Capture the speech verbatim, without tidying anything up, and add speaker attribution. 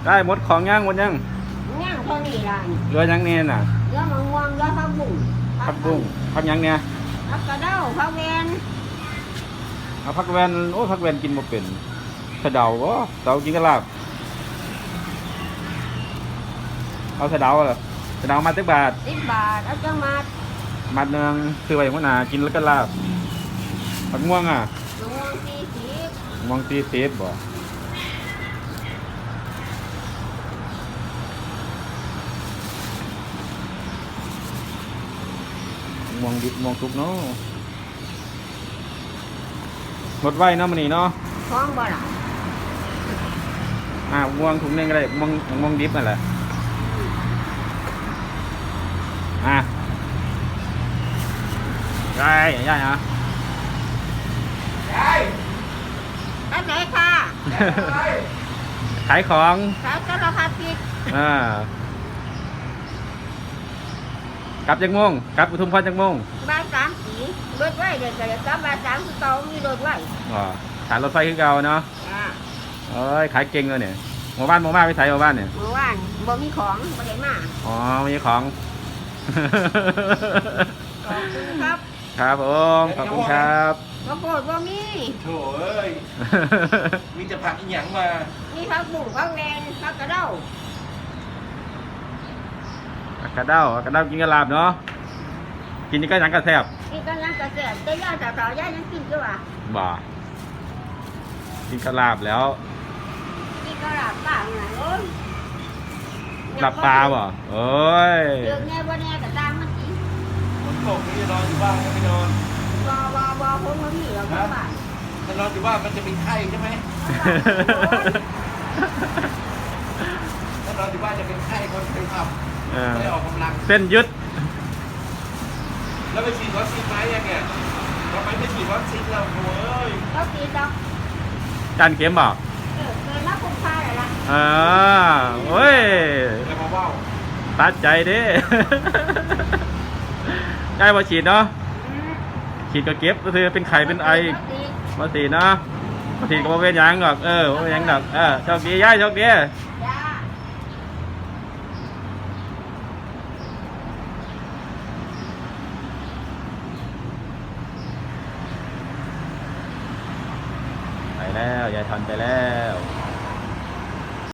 Speaker 1: ได้หมดของย่างหมดยัง
Speaker 2: ย่างเท่านี้ล่ะ
Speaker 1: เรือยังเนี่ยน่ะ
Speaker 2: เรือมะม่วงเรือผักบุ้ง
Speaker 1: ผักบุ้งผักยังเนี่ย
Speaker 2: ผักกระเด้าผักแวน
Speaker 1: เอาผักแวนโอ้ผักแวนกินบ่เป็นสะเดาบ่เดากินกะลาบเอาสะเดาเหรอสะเดามาสิบบาท
Speaker 2: สิบบาทเอาจังมา
Speaker 1: มัดหนึ่งคือไว้หัวหน้ากินแล้วก็ลาบผักม่วงอ่ะ
Speaker 2: มะม่วงสี่สิบ
Speaker 1: ม่วงสี่สิบบ่ม่วงดิบม่วงสุกเนาะหมดไว้เนาะมื้อนี้เนาะ
Speaker 2: ท้องบ่ล่ะ
Speaker 1: อ่าม่วงถุงนึงก็ได้ม่วงม่วงดิบนั่นแหละอ่ะได้ได้ฮะ
Speaker 2: ได้ได้ไหนค่ะ
Speaker 1: ขายของ
Speaker 2: ขายสารพัดผิด
Speaker 1: อ่ากลับจักโมงกลับปทุมพรจักโมง
Speaker 2: บ่ายสามสีรถไว้เดี๋ยวจะกลับบ่ายสามคือเก่ามีรถไว้
Speaker 1: อ๋อขายรถไฟคือเก่าเนาะเอ้ยขายเก่งเลยเนี่ยหมู่บ้านหมู่บ้านไปใส่หมู่บ้านเนี่ย
Speaker 2: หมู่บ้านบ่มีของบ่ได้มา
Speaker 1: อ๋อไม่มีของ
Speaker 2: ขอบคุณครับ
Speaker 1: ครับผมขอบคุณครับ
Speaker 2: ข้าวโพดบ่มี
Speaker 3: โถ่เอ้ยมีจะผักอีหยังมา
Speaker 2: มีผักบุ้งผักแวนผักกระเด้า
Speaker 1: ผักกระเด้าผักกระเด้ากินกระลาบเนาะกินนี่ก็ยังกระแซบ
Speaker 2: กินกันยังกระแซบแต่ย่าสาวๆย่ายังกินอยู่อ่ะ
Speaker 1: บ่กินกระลาบแล้ว
Speaker 2: กินกระลาบปลาหน่อยโอ้ย
Speaker 1: หลับปลาบ่โอ้ย
Speaker 2: เดือดแน่บ่แน่ก็ตามมันกิน
Speaker 3: ฝนตกนี่จะนอนอยู่บ้านก็ไม่นอน
Speaker 2: บ่บ่บ่ผมบ่มีหรอกบ้าน
Speaker 3: ถ้านอนอยู่บ้านมันจะเป็นไข้ใช่ไหมถ้านอนอยู่บ้านจะเป็นไข้คนไปทำไม่ออกกำลัง
Speaker 1: เส้นยึด
Speaker 3: แล้วไปฉีดวัคซีนไหมยังเนี่ยเราไปไปฉีดวัคซีนเราโว้ย
Speaker 2: เราฉีดดอก
Speaker 1: การเข็มบ่
Speaker 2: เออเกินแล้วคุ้มค่าเลยล่ะ
Speaker 1: อ่าโอ้ย
Speaker 3: จะมาว่าว
Speaker 1: ตัดใจดิได้มาฉีดเนาะฉีดก็เก็บก็คือเป็นไข่เป็นไอมาฉีดเนาะมาฉีดก็มาเป็นยังหรอกเออมาเป็นยังหรอกเออโชคดีย่ายโชคดีไปแล้วยายทันไปแล้ว